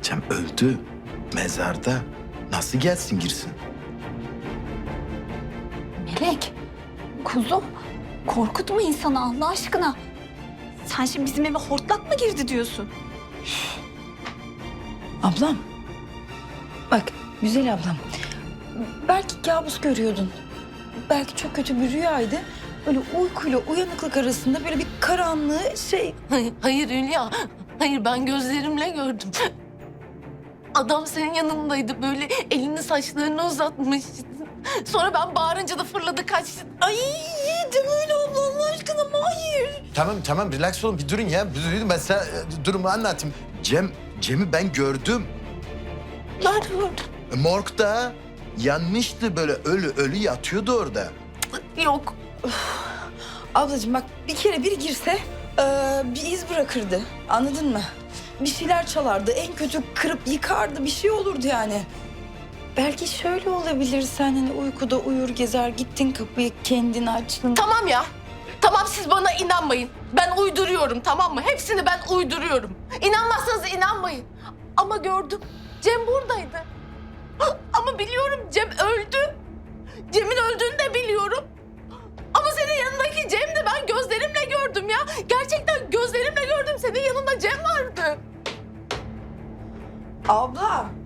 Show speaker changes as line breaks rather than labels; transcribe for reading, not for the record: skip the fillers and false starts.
Cem öldü. Mezarda. Nasıl gelsin girsin?
Melek, kuzum korkutma insanı Allah aşkına. Sen şimdi bizim eve hortlak mı girdi diyorsun?
Ablam. Bak güzel ablam. Belki kabus görüyordun. Belki çok kötü bir rüyaydı. Böyle uykuyla uyanıklık arasında böyle bir karanlığı şey...
Hayır Hülya. Hayır, ben gözlerimle gördüm. Adam senin yanındaydı, böyle elini saçlarına uzatmış. Sonra ben bağırınca da fırladı kaçtı.
Ay deme öyle abla Allah aşkına hayır.
Tamam relax olun bir durun ya. Bir durun ben size durumu anlatayım. Cem'i ben gördüm.
Nerede gördün?
Morgda yanmıştı böyle ölü yatıyordu orada.
Yok.
Ablacığım bak bir kere biri girse bir iz bırakırdı. Anladın mı? Bir şeyler çalardı. En kötü kırıp yıkardı. Bir şey olurdu yani. Belki şöyle olabilir. Sen hani uykuda uyur gezer gittin kapıyı kendin açtın.
Tamam ya. Tamam, siz bana inanmayın. Ben uyduruyorum, tamam mı? Hepsini ben uyduruyorum. İnanmazsanız inanmayın. Ama gördüm. Cem buradaydı. Ama biliyorum Cem öldü. Cem'in öldüğünü de biliyorum. Ama senin yanındaki Cem de ben gözlerimle gördüm ya. Gerçekten gözlerimle gördüm. Senin yanında Cem vardı.
Abla